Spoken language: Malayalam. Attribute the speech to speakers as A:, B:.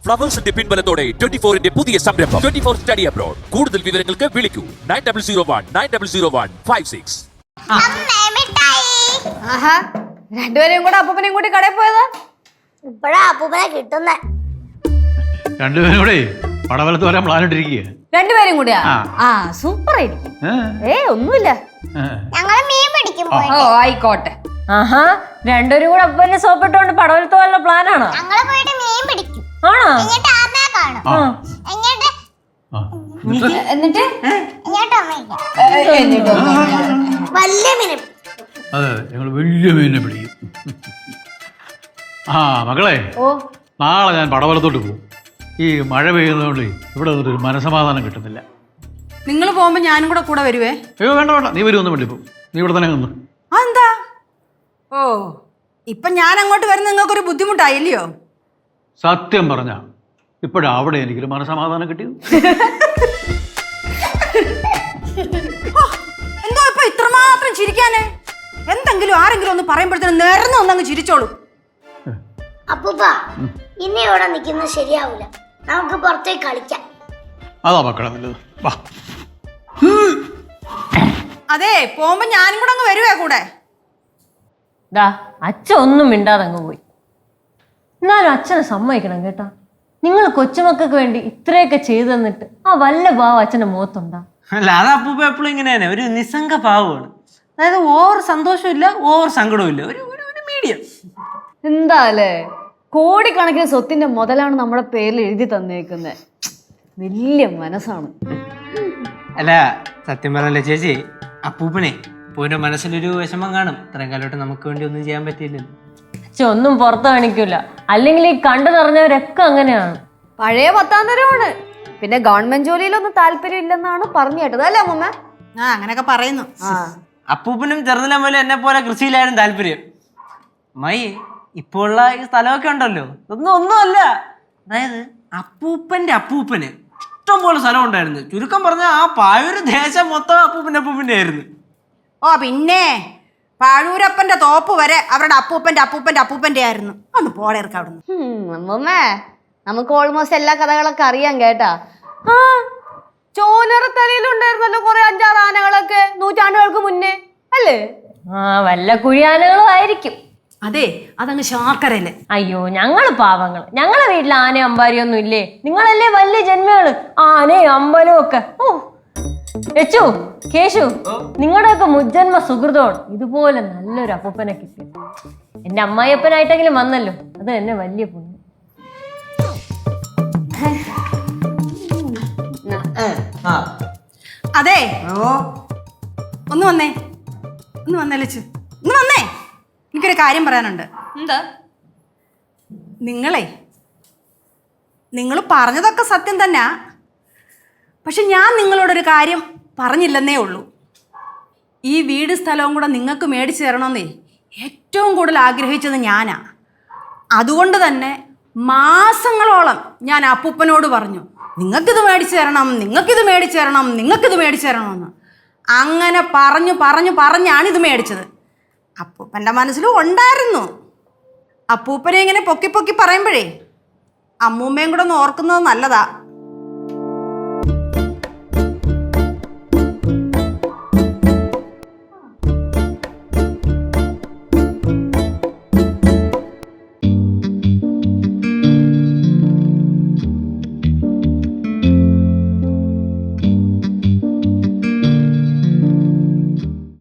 A: ഫ്ലവേഴ്സിന്റെ പിൻബലത്തോടെ 24-ന്റെ പുതിയ സംരംഭം 24 സ്റ്റഡി അബ്രോഡ്. കൂടുതൽ വിവരങ്ങൾക്ക് വിളിക്കൂ 9001900156.
B: ആഹാ, രണ്ടുപേരെയും കൂടെ അപ്പൂപ്പനെയും കൂടി കടയിൽ പോയതാ.
C: ഇപ്പഴാ അപ്പൂപ്പനെ കിട്ടുന്നേ.
D: രണ്ടുപേരും കൂടെ പടവലത്ത് വരാൻ പ്ലാൻ ഇട്ടിരിക്കുക.
B: രണ്ടുപേരും കൂടിയാ? ആ, സൂപ്പർ ആയിരിക്കും. ഒന്നുമില്ല,
C: ഞങ്ങള് മീൻ പിടിക്കും.
B: ഓ ആയിക്കോട്ടെ.
E: ആഹാ, രണ്ടുപേരും കൂടെ അപ്പനെ സോപ്പിട്ടോണ്ട് പടവലത്ത് പോകാനുള്ള പ്ലാനാണോ?
C: ഞങ്ങള് പോയിട്ട് മീൻ പിടിക്കും.
E: ആണോ?
C: എന്നിട്ട് അമ്മയെ കാണും. എന്നിട്ട് വലിയ മീനെ.
D: അതെ, ഞങ്ങൾ വലിയ മീനിനെ പിടിക്കും. ആ മക്കളെ, നാളെ ഞാൻ പടവലത്തോട്ട് പോകും. ഈ മഴ പെയ്യുന്നതുകൊണ്ട് ഇവിടെ ഒരു മനസമാധാനം കിട്ടുന്നില്ല.
F: നിങ്ങൾ പോകുമ്പോ ഞാനും കൂടെ വരുവേ?
D: അയ്യോ വേണ്ട വേണ്ട, നീ വരുമൊന്നും വേണ്ടി പോകും. നീ ഇവിടെ തന്നെ നിന്ന്.
F: അതെന്താ? ഓ, ഇപ്പൊ ഞാൻ അങ്ങോട്ട് വരുന്ന നിങ്ങൾക്കൊരു ബുദ്ധിമുട്ടായില്ലയോ?
D: സത്യം പറഞ്ഞ ഇപ്പോഴാ അവിടെ എനിക്കൊരു മനസമാധാനം കിട്ടിയത്.
F: എന്തോ ഇപ്പൊ ഇത്രമാത്രം ചിരിക്കാന്? എന്തെങ്കിലും ആരെങ്കിലും ഒന്ന് പറയുമ്പോഴത്തേനും നേർന്ന് ഒന്നങ്ങ് ചിരിച്ചോളൂ.
C: അപ്പൂപ്പ, ഇനി ഇവിടെ നിൽക്കുന്നത് ശരിയാവൂല. നമുക്ക് പുറത്തേക്ക് കളിക്കാം.
D: അതാ മക്കളെ നല്ലത്. വാ.
F: അതെ, പോകുമ്പോ ഞാനും കൂടെ അങ്ങ് വരുവേ കൂടെ.
E: ദാ അച്ഛൻ ഒന്നും മിണ്ടാതെ അങ്ങ് പോയി. എന്നാലും അച്ഛനെ സമ്മതിക്കണം കേട്ടാ. നിങ്ങൾ കൊച്ചുമക്കൾക്ക് വേണ്ടി ഇത്രയൊക്കെ ചെയ്തു തന്നിട്ട് ആ വല്ല ഭാവം അച്ഛന്റെ മുഖത്തുണ്ടാ?
G: അല്ല, അത് അപ്പൂപ്പ എപ്പോഴും ഇങ്ങനെ തന്നെ, ഒരു നിസ്സംഗ ഭാവമാണ്. അതായത് ഓവർ സന്തോഷവും ഇല്ല, ഓവർ സങ്കടവും ഇല്ല, ഒരു മീഡിയം.
B: എന്താ അല്ലേ, കോടിക്കണക്കിന് സ്വത്തിന്റെ മുതലാണ് നമ്മുടെ പേരിൽ എഴുതി തന്നേക്കുന്നത്. വലിയ മനസ്സാണ്.
G: അല്ല, സത്യം പറഞ്ഞല്ലേ ചേച്ചി, അപ്പൂപ്പനെ അപ്പൂവിന്റെ മനസ്സിലൊരു വിഷമം കാണും. ഇത്രയും കാലമായിട്ട് നമുക്ക് വേണ്ടി ഒന്നും ചെയ്യാൻ പറ്റിയില്ലല്ലോ.
E: അച്ഛൻ ഒന്നും പുറത്ത് കാണിക്കൂല. അല്ലെങ്കിൽ ഈ കണ്ടു നിറഞ്ഞവരൊക്കെ അങ്ങനെയാണ്.
B: പഴയ 10ാം തരമാണ്. പിന്നെ ഗവൺമെന്റ് ജോലിയിലൊന്നും താല്പര്യം ഇല്ലെന്നാണ് പറഞ്ഞു കേട്ടത്, അല്ലേ അമ്മമ്മ?
F: ആ, അങ്ങനെയൊക്കെ പറയുന്നു.
G: അപ്പൂപ്പനും ചെറുതിലെ പോലെ എന്നെ പോലെ കൃഷിയിലായിരുന്നു താല്പര്യം. മൈ ഇപ്പോൾ ഉള്ള ഈ സ്ഥലമൊക്കെ ഉണ്ടല്ലോ, ഒന്നുമല്ല. അതായത് അപ്പൂപ്പന്റെ അപ്പൂപ്പന് ഇഷ്ടം പോലെ സ്ഥലം ഉണ്ടായിരുന്നു. ചുരുക്കം പറഞ്ഞാൽ ആ പായൂര് ദേശം മൊത്തം അപ്പൂപ്പന്റെ ആയിരുന്നു.
F: ഓ പിന്നെ പാഴൂരപ്പന്റെ തോപ്പ് വരെ അവരുടെ അപ്പൂപ്പന്റെ ആയിരുന്നു. ഒന്ന് പോളേർക്ക് അവിടുന്ന്.
B: അമ്മമ്മേ, നമുക്ക് ഓൾമോസ്റ്റ് എല്ലാ കഥകളൊക്കെ അറിയാം കേട്ടാ. ആ, ചോലറത്തലയിലുണ്ടായിരുന്നല്ലോ കുറെ 5-6 ആനകളൊക്കെ നൂറ്റാണ്ടുകൾക്ക് മുന്നേ, അല്ലേ?
E: ആ, വല്ല കുഴിയാനകളും ആയിരിക്കും.
F: അതെ, അതങ്ങ് ശാക്കരല്ലേ.
E: അയ്യോ, ഞങ്ങള് പാവങ്ങള്. ഞങ്ങളെ വീട്ടിൽ ആനയും അമ്പാരിയൊന്നും ഇല്ലേ? നിങ്ങളല്ലേ വലിയ ജന്മകള്, ആനയും അമ്പലവും ഒക്കെ. ഓ യച്ചു, കേശു, നിങ്ങളുടെയൊക്കെ മുജ്ജന്മ സുഹൃതമാണ് ഇതുപോലെ നല്ലൊരു അപ്പൂപ്പനെ കിട്ടി. എന്റെ അമ്മായിയപ്പനായിട്ടെങ്കിലും വന്നല്ലോ, അത് തന്നെ വലിയ പുണ്യം.
F: അതെ, ഒന്ന് വന്നേ ലച്ചു, ഒന്ന് വന്നേ. എനിക്കൊരു കാര്യം പറയാനുണ്ട്.
B: എന്താ?
F: നിങ്ങൾ പറഞ്ഞതൊക്കെ സത്യം തന്നെ. പക്ഷെ ഞാൻ നിങ്ങളോടൊരു കാര്യം പറഞ്ഞില്ലെന്നേ ഉള്ളൂ. ഈ വീട് സ്ഥലവും കൂടെ നിങ്ങൾക്ക് മേടിച്ചു തരണമെന്നേ ഏറ്റവും കൂടുതൽ ആഗ്രഹിച്ചത് ഞാനാ. അതുകൊണ്ട് തന്നെ മാസങ്ങളോളം ഞാൻ അപ്പൂപ്പനോട് പറഞ്ഞു, നിങ്ങൾക്കിത് മേടിച്ചു തരണമെന്ന്. അങ്ങനെ പറഞ്ഞാണ് ഇത് മേടിച്ചത്. അപ്പൂപ്പൻ്റെ മനസ്സിലും ഉണ്ടായിരുന്നു. അപ്പൂപ്പനെ ഇങ്ങനെ പൊക്കി പറയുമ്പോഴേ അമ്മൂമ്മയും കൂടെ ഒന്ന് ഓർക്കുന്നത് നല്ലതാ.